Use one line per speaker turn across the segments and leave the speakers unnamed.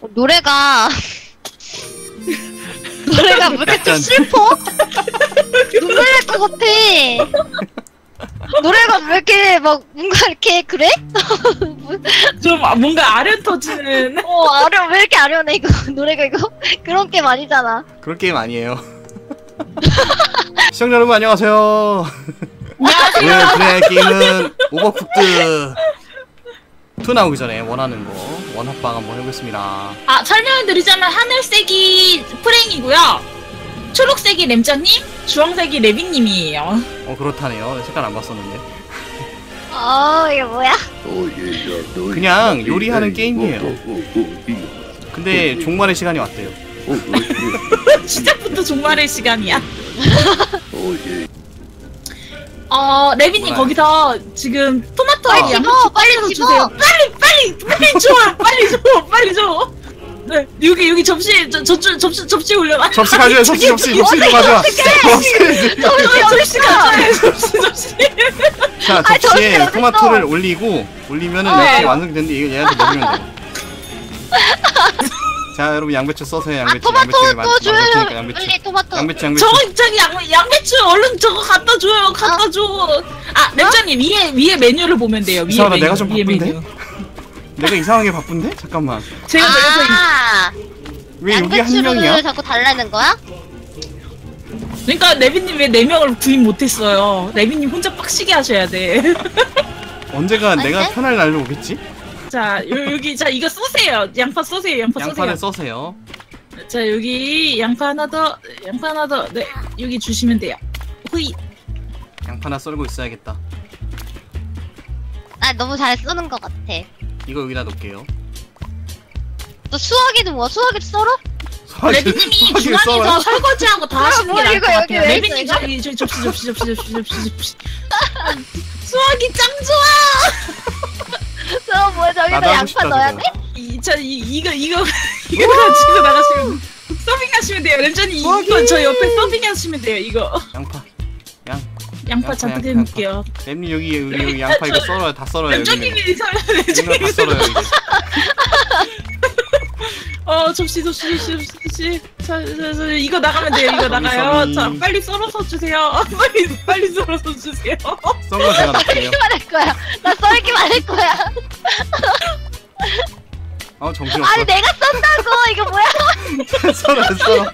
노래가 노래가 왜 이렇게 좀 슬퍼? 눈물 날 것 같아. 노래가 왜 이렇게 막 뭔가 이렇게 그래?
좀 뭔가 아련 터지는.
아려 왜 이렇게 아련해 이거 노래가 이거 그런 게임 아니잖아.
그런 게임 아니에요. 시청자 여러분 안녕하세요. 오늘 플레이할 게임은 오버쿡드 2 나오기 전에 원하는 거 원합방 한번 해보겠습니다.
설명드리자면 하늘색이 프랭이고요. 초록색이 램자님, 주황색이 레빈님이에요.
그렇다네요. 색깔 안 봤었는데.
이게 뭐야?
그냥 요리하는 게임이에요. 근데 종말의 시간이 왔대요.
시작부터 종말의 시간이야. 레빈님 거기서 지금 토마토 양배추 빨리 주세요. 빨리 줘, 빨리 줘. 네, 여기 접시 접시 올려놔.
접시 가져요. 접시 좀 가져와.
접시 가져요. 접시.
자, 접시에 토마토를 올리면은 이렇게 완성이 되는데 이거 얘한테 먹이면 돼요. 자, 여러분 양배추 써서요. 양배추.
토마토 줘요.
양배추.
빨리 토마토.
양배추.
저기 양배추 얼른 저거 갖다 줘요. 갖다 줘. 램자님 위에 메뉴를 보면 돼요. 위에 메뉴.
내가 좀 바쁜데? 내가 이상하게 바쁜데? 잠깐만.
제가
왜 여기 한 명이야?
양배추를 자꾸 달라는 거야?
그러니까 레빈님 왜 4명을 구입 못했어요? 레빈님 혼자 빡시게 하셔야 돼.
언제가 내가 편할 날로 오겠지?
자 여기 자 이거 쏘세요. 양파 쏘세요.
양파를 써세요.
자 여기 양파 하나 더. 네 여기 주시면 돼요. 후이.
양파 하나 썰고 있어야겠다.
나 너무 잘 쓰는 것 같아.
이거 여기다 놓을게요.
너 수학이도 뭐 수학이 썰어?
레빈님이 중앙에서 설거지하고 다 하시는 게 나을 것 같아요. 레빈님 저기 접시. 수학이 짱 좋아.
저 뭐야 저기다 양파 넣어야 돼?
이거 가지고 나가시면 서빙하시면 돼요. 램전이 이거 저 옆에 서빙하시면 돼요. 이거 양파 잔뜩 해놓을게요.
램님 여기 양파 이거 썰어요. 다 썰어요.
램전님이
다 썰어요 이게.
접시. 자, 이거 나가면 돼요. 이거 나가요. 자, 빨리 썰어서 주세요. 빨리 썰어서 주세요.
썬 거 제가 넣을게요.
썰기만 할 거야. 나 썰기만 할 거야.
정신없어.
아니 내가 썬다고 이거 뭐야?
썰어.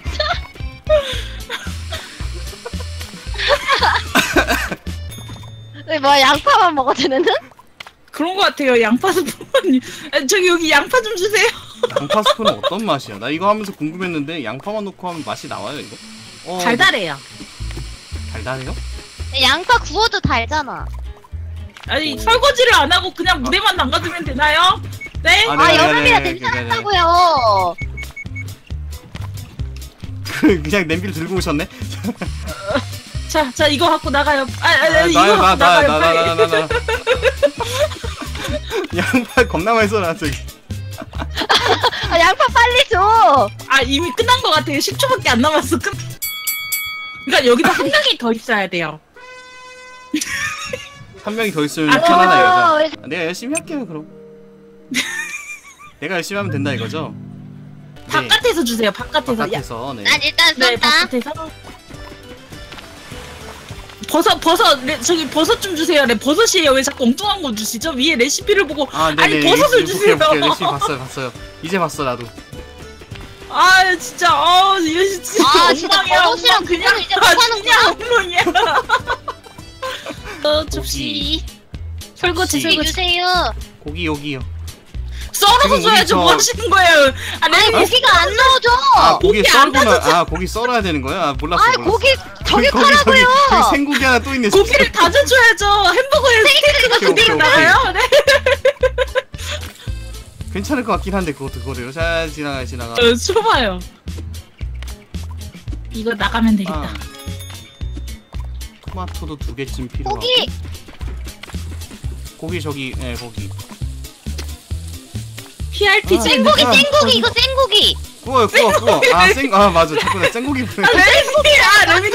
뭐야 양파만 먹어도 되는?
그런 거 같아요. 양파 스프는 저기 여기 양파 좀 주세요.
양파 스프는 어떤 맛이야? 나 이거 하면서 궁금했는데 양파만 넣고 하면 맛이 나와요 이거?
달달해요.
달달해요?
양파 구워도 달잖아.
아니 설거지를 안 하고 그냥 무대만 담가두면 되나요? 네?
여름이라 괜찮다고요.
그냥 냄비를 들고 오셨네?
자 이거 갖고 나가요.
이거
갖고 나가요.
나. 양파 겁나 많이 썰어 저기.
양파 빨리 줘.
이미 끝난 것 같아요. 10초밖에 안 남았어. 그러니까 여기다 한 명이 더 있어야 돼요.
한 명이 더 있으면 편하다 이거죠. 내가 열심히 할게요 그럼. 내가 열심히 하면 된다 이거죠?
바깥에서 주세요. 바깥에서.
네.
난 일단
네,
쏜다.
바깥에서. 버섯 저기 버섯 좀 주세요. 버섯이에요. 왜 자꾸 엉뚱한 거 주시죠? 위에 레시피를 보고 아니 버섯을 주세요.
레시피 봤어요. 이제 봤어 나도.
진짜 이거 진짜
버섯이랑 그냥 이제 못하는
엉망이야.
접시.
설거지
주세요.
고기 여기요.
썰어서 줘야죠. 뭐 하시는 거예요?
고기가 안 넣어져.
고기 썰구나. 고기 썰어야 되는 거야? 몰랐어.
고기 저기 가라고요.
저기 생고기 하나 또 있네.
고기를 다져줘야죠. 햄버거에 스테이크가 그대로 나가요. 네.
괜찮을 것 같긴 한데 그거를 잘 지나가.
줘봐요. 이거 나가면 되겠다.
토마토도 2개쯤 필요하고. 고기 저기 고기.
PRPG
생고기 이거 생고기.
구워. 맞아. 자꾸 나 생고기.
레빈이.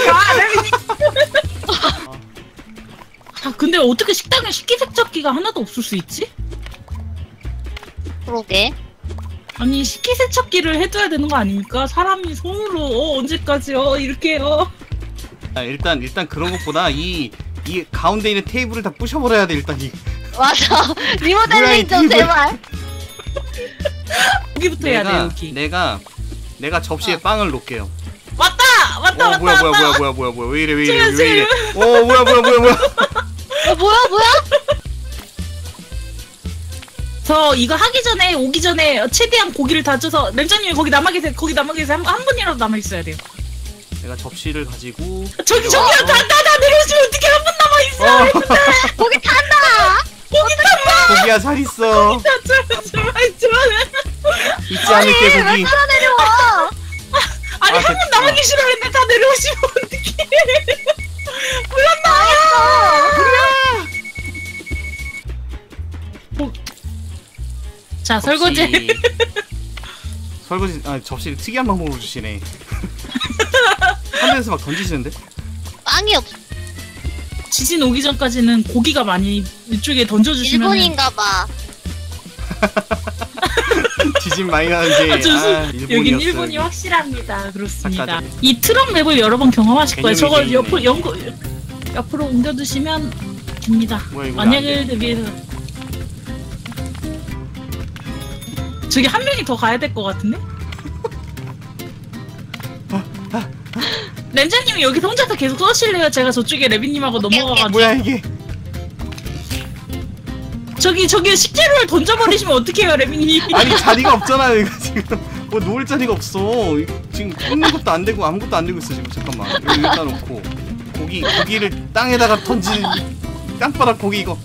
근데 어떻게 식당에 식기세척기가 하나도 없을 수 있지?
그러게.
아니 식기세척기를 해줘야 되는 거 아닙니까? 사람이 손으로 언제까지요? 이렇게요.
아, 일단 그런 것보다 이 가운데 있는 테이블을 다 부셔버려야 돼 일단 이.
맞아.
뭐야, 이
리모델링 좀
테이블.
제발.
여기부터 해야 돼 여기.
내가 접시에 빵을 놓을게요.
왔다
뭐야 왜 이래
지금.
뭐야
뭐야?
저 이거 하기 전에 오기 전에 최대한 고기를 다져서 램장님이 거기 남아 계세요. 한 분이라도 남아 있어야 돼요.
내가 접시를 가지고
저기요 다 내려오시면 어떻게 한 분 남아 있어?
고기 탄다.
고기야 잘 있어.
제발
잊지 않을게
왜
고기.
따라 내려와?
아니
아,
한 분 남아 계시라고 했는데 다 내려오시면 어떡해. 자 설거지.
설거지 접시를 특이한 방법으로 주시네. 한 대에서 막 던지시는데?
빵이 없.
지진 오기 전까지는 고기가 많이 이쪽에 던져주시면
일본인가봐.
지진 많이 나는데
여긴 일본이 확실합니다. 그렇습니다.
아까 전에.
이 트럭 맵을 여러 번 경험하실 거예요. 저걸
개념이
옆으로 옮겨두시면 됩니다.
뭐야, 이거
만약에 대비해서 저기 한 명이 더 가야 될 것 같은데? 렌자님이 여기서 혼자서 계속 써실래요? 제가 저쪽에 레비님하고
오케이,
넘어가가지고
뭐야 이게?
저기 식재료를 던져버리시면 어떡해요 레비님.
아니 자리가 없잖아요 이거 지금. 뭐 놓을 자리가 없어. 지금 꽂는 것도 안 되고 아무것도 안 되고 있어 지금. 잠깐만 여기다 놓고 고기를 땅에다가 던지는 땅바닥 고기 이거.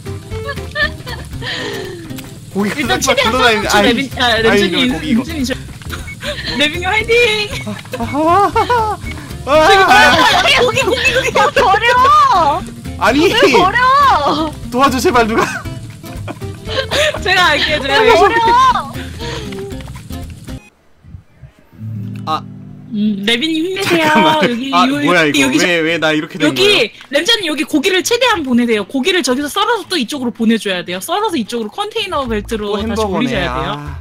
고기가
일단
땅바닥
최대한
굴러다니는데
렌자님
고기 이거.
레비님 화이팅. 고기
야 버려.
아니
왜 버려?
도와줘 제발 누가.
제가 할게요.
왜 버려?
레비님 힘내세요.
잠깐만.
여기
뭐야 이거
여기
왜 나 이렇게 된 거야?
여기 램자님 여기 고기를 최대한 보내세요. 고기를 저기서 썰어서 또 이쪽으로 보내줘야 돼요. 썰어서 이쪽으로 컨테이너 벨트로
또
다시
햄버거네.
올리셔야 돼요.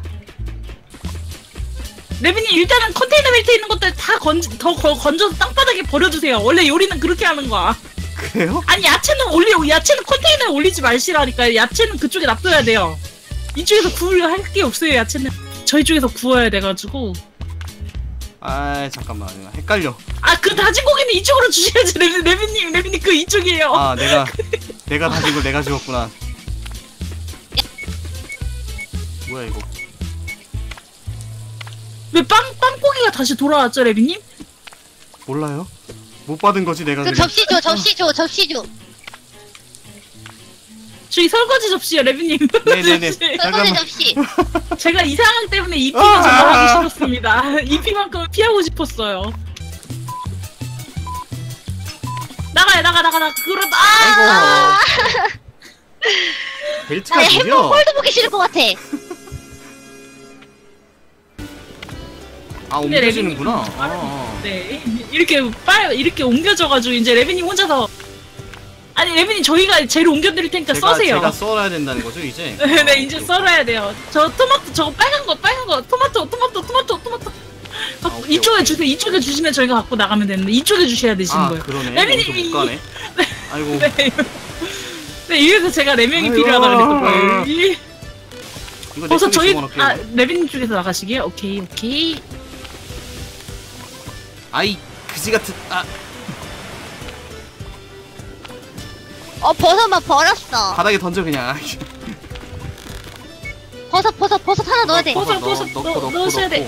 레비님 일단은 컨테이너 벨트에 있는 것들 다 건져서 땅바닥에 버려주세요. 원래 요리는 그렇게 하는 거야.
그래요?
아니 야채는 컨테이너에 올리지 마시라니까요. 야채는 그쪽에 놔둬야 돼요. 이쪽에서 구울 할 게 없어요. 야채는 저희 쪽에서 구워야 돼가지고.
아 잠깐만 헷갈려.
그 다진 고기는 이쪽으로 주셔야지. 레비님 그 이쪽이에요.
아 내가 다진 걸 내가 지웠구나. 뭐야 이거?
왜 빵고기가 다시 돌아왔죠, 레비님?
몰라요? 못 받은 거지 내가.
그
그냥.
접시 줘.
저기 설거지 접시요, 레비님.
네네네.
설거지
잠깐만.
접시.
제가 이 상황 때문에 EP는 정말 하기 싫었습니다. EP만큼은 피하고 싶었어요. 나가. 그러다.
아이고. 벨트가
나 햄버거
느려.
홀도 보기 싫을 것 같아.
근데
옮겨지는구나.
레비님 네, 이렇게 옮겨져가지고 이제 레비님 혼자서. 아니 레비님 저희가 재료 옮겨드릴 테니까 써세요.
제가 썰어야 된다는 거죠 이제?
네, 이제 썰어야 돼요. 저 토마토 저거 빨간 거 토마토.
오케이,
이쪽에
오케이.
주세요. 이쪽에 주시면 저희가 갖고 나가면 되는데 이쪽에 주셔야 되시는 거예요.
그러네.
레비님이
못 가네. 아이고.
네, 이래서 제가 4명이
아이고.
필요하다 그랬던 거예요.
이거
벌써
내
저희
쪽에 집어넣을게요.
레비님 쪽에서 나가시게요. 오케이.
아이 그지 같은
버섯만 버렸어.
바닥에 던져 그냥.
버섯 하나 넣어야 돼.
버섯 넣으셔야 돼.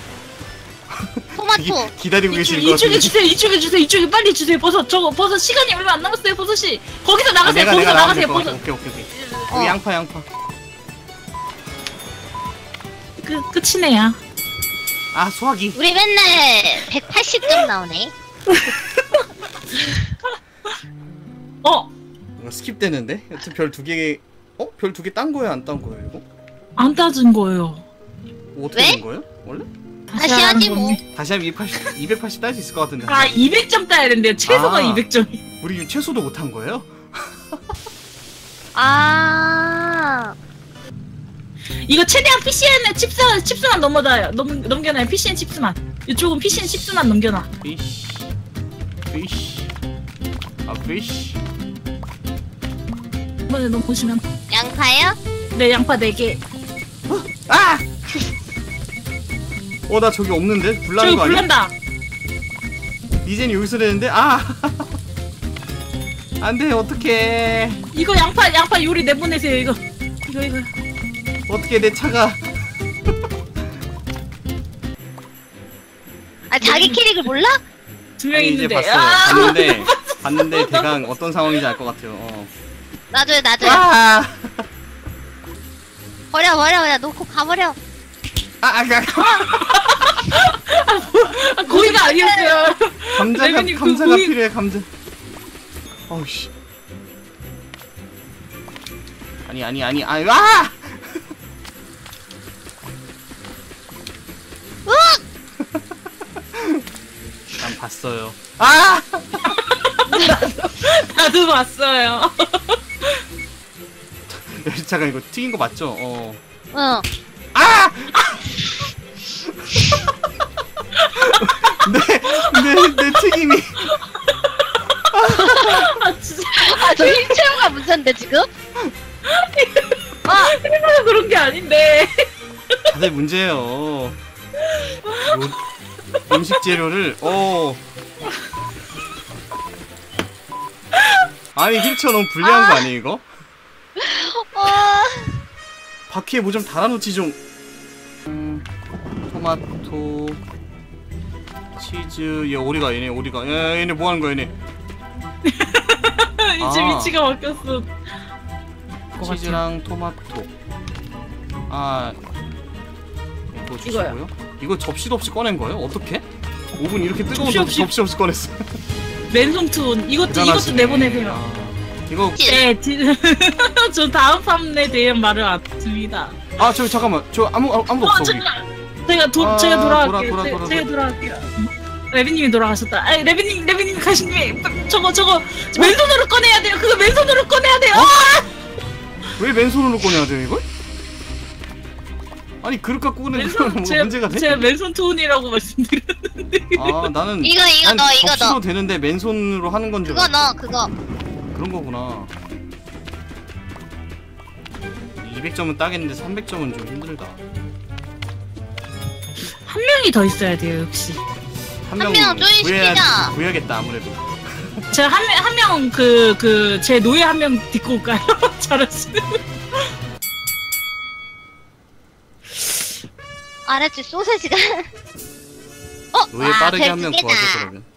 토마토.
기다리고 계시는 거
이쪽에
같은데.
주세요. 이쪽에 빨리 주세요. 버섯 시간이 얼마 안 남았어요. 버섯이 거기서 나가세요.
내가
거기서
나가면
나가세요.
될 것
버섯.
같아. 오케이. 여기 양파.
끝이네요.
소화기.
우리 맨날 180점 나오네.
이거 스킵되는데? 여튼 별 2개. 별 2개 딴 거예요? 안 딴 거예요 이거?
안 따진 거예요.
어떻게
왜?
된 거예요? 원래?
다시 하지 뭐.
다시 하면 280 딸 수 있을 것 같은데.
200점 따야 된대요. 최소가 200점이.
우리 최소도 못 한 거예요?
이거 최대한 PCN에 칩스만 넘겨놔요. PCN 칩스만. 이쪽은 PCN 칩스만 넘겨놔.
피쉬. 아, 피쉬.
이번에 넘으시면.
양파요?
네, 양파 4개.
아! 나 저기 없는데? 불나는
저기
거 아니야?
불난다.
이젠 여기서 되는데? 아! 안 돼, 어떡해.
이거 양파 요리 내보내세요, 이거.
어떻게 내 차가.
아 자기 캐릭을 몰라?
2명
아니, 이제
있는데.
봤어요. 봤는데 대강 어떤 상황인지 알 것 같아요.
놔줘요.
아!
버려. 놓고 가버려.
거기가 아니었어요. 레벨님,
감자가 필요해, 감자. 어우씨. 아니, 와! 난 봤어요. 아!
나도 봤어요.
잠깐, 이거 튀긴 거 맞죠?
응.
아! 내 튀김이.
진짜.
저 힐체험가 문제인데 지금?
일부러 그런 게 아닌데.
다들 문제예요. 음식 재료를 아니 힐처 너무 불리한 거 아니에요 이거? 바퀴에 뭐 좀 달아놓지 좀. 토마토 치즈. 얘네 오리가. 얘네 뭐 하는 거야 얘네?
이제 위치가 바뀌었어.
치즈랑 토마토. 이거 주시고요. 이거 접시도 없이 꺼낸 거예요? 어떻게? 오븐 이렇게 뜨거운데 접시 없이 꺼냈어.
맨손 투혼. 이것도 내보내세요.
이거.
네, 저 다음 판에 대한 말을 안 듣습니다.
저기 잠깐만. 저 아무도 없어.
제가 돌아갈게요. 제가 돌아갈게요. 레비님이 돌아가셨다. 아니, 레비님 가신 김에 저거 맨손으로 꺼내야 돼요. 그거 맨손으로 꺼내야 돼요.
왜 맨손으로 꺼내야 돼요 이걸? 아니 그릇 갖고 꺼내는 건 뭐가 문제가 돼?
제가 맨손 투혼이라고 말씀드렸는데.
나는
이거
접시로
넣어.
되는데 맨손으로 하는 건 줄
그거
알았어.
넣어 그거.
그런 거구나. 200점은 따겠는데 300점은 좀 힘들다.
한 명이 더 있어야 돼요, 역시.
한
명
명
조인시키자.
구해야겠다 아무래도.
제가 한 명 제 노예 한 명 데리고 올까요? 잘하시네.
알았지 소세지가.
노예 빠르게 한 명
별 2개다.
구하자 그러면.